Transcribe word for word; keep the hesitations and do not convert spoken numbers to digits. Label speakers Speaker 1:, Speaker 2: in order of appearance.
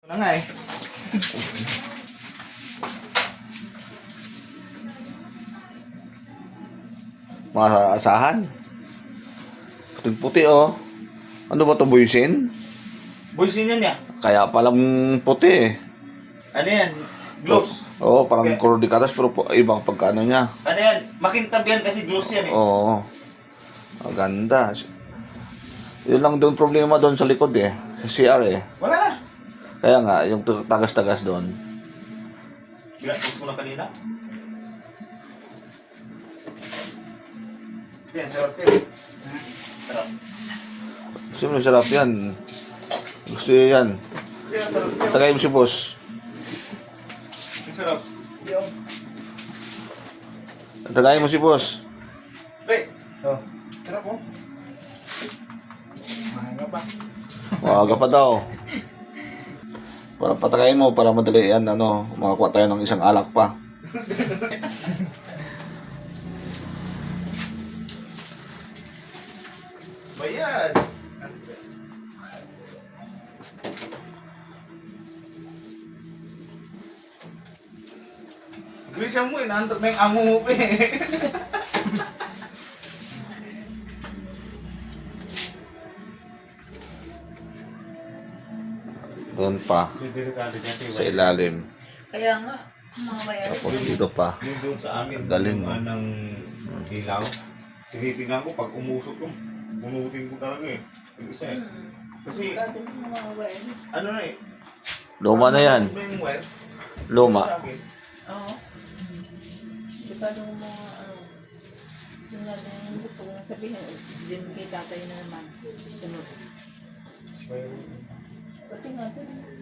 Speaker 1: Ito na nga eh.
Speaker 2: Maasahan. Puting-puti oh. Ano ba to, buisin?
Speaker 1: Buisin yan ya.
Speaker 2: Kaya palang puti eh.
Speaker 1: Ano yan? Gloss.
Speaker 2: Oo, oh, parang
Speaker 1: Okay.
Speaker 2: color de caras pero po- ibang pagkano niya.
Speaker 1: Ano yan? Makintab yan kasi gloss yan eh.
Speaker 2: Oo. Maganda. Yun lang doon problema doon sa likod eh. Sa C R eh.
Speaker 1: Wala na.
Speaker 2: Kaya nga, yung tu- tagas-tagas doon.
Speaker 1: Ginapos ko na kanina. Yan, sarap yan. Sarap.
Speaker 2: Siyempre, sarap yan. Gusto niya yan.
Speaker 1: Yan, sarap yan.
Speaker 2: Tagay mo si boss.
Speaker 1: Ang sarap. Yung.
Speaker 2: Tagay mo si boss.
Speaker 1: Pre. Oh. Sarap oh. Mahanga pa.
Speaker 2: Maaga pa daw. Para patakayin mo, para madali yan, ano, makakuha tayo ng isang alak pa.
Speaker 1: Bayad. Bilisan mo eh, naantok na yung amo mo pa eh.
Speaker 2: Doon pa,
Speaker 1: Delikado dyan.
Speaker 2: sa ilalim.
Speaker 3: Kaya nga, mga bayaran.
Speaker 2: Tapos dito pa.
Speaker 1: Yung doon sa amin,
Speaker 2: Galing,
Speaker 1: yung
Speaker 2: oh.
Speaker 1: anang ilaw. Tinitingnan ko, pag umusok ko, bunutin ko talaga eh. Yung isa eh.
Speaker 3: Hmm.
Speaker 1: Kasi,
Speaker 3: Dati ng mga bayaran.
Speaker 1: ano na eh.
Speaker 2: Luma na yan.
Speaker 1: Ano yung wire?
Speaker 2: Luma.
Speaker 1: Sa akin.
Speaker 3: Oo. Dekado ng mga ano. Yung nga yung gusto kong sabihin, din kay tatay na naman. Sunod. Pati nga din.